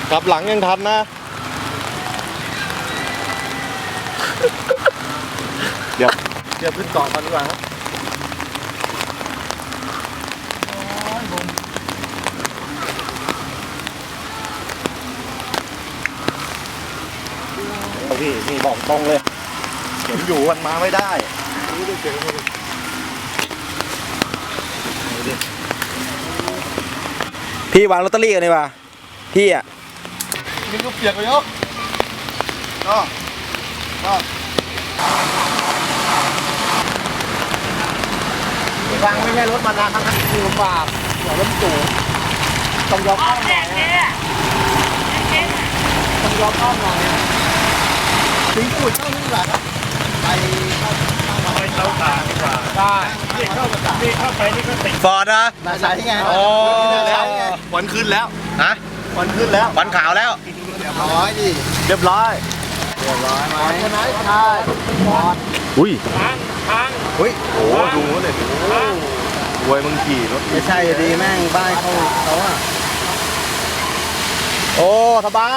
กลับหลังยังทันนะเดี๋ยวขึ้นเกาะกันดีกว่าครับพี่บอกตรงเลยเห็นอยู่มันมาไม่ได้พี่วางลอตเตอรี่กันดีกว่าพี่อ่ะนี่ก็เปียกไปเยอะก็ฟังไม่ใช่รถมันนะทั้งนั้นคือลำบากหัวรถสูงต้องยอมอ้อมหน่อยนะต้องยอมอ้อมหน่อยนะถึงขุดเข้านี่ดีกว่าครับไปเข้าตาดีกว่าได้นี่เข้าไปนี่ก็ติดฟอร์ดนะมาใช้ไงโอ้วันขึ้นแล้วฮะวันขึ้นแล้ววันขาวแล้วเรียบร้อยดิเรียบร้อยไหมใช่ไหมใช่อุ้ยอุ้ยโอ้ดูเลยโวยมึงขี่รถไม่ใช่ดีแม่งบ้านเขาอ่ะโอ้สบาย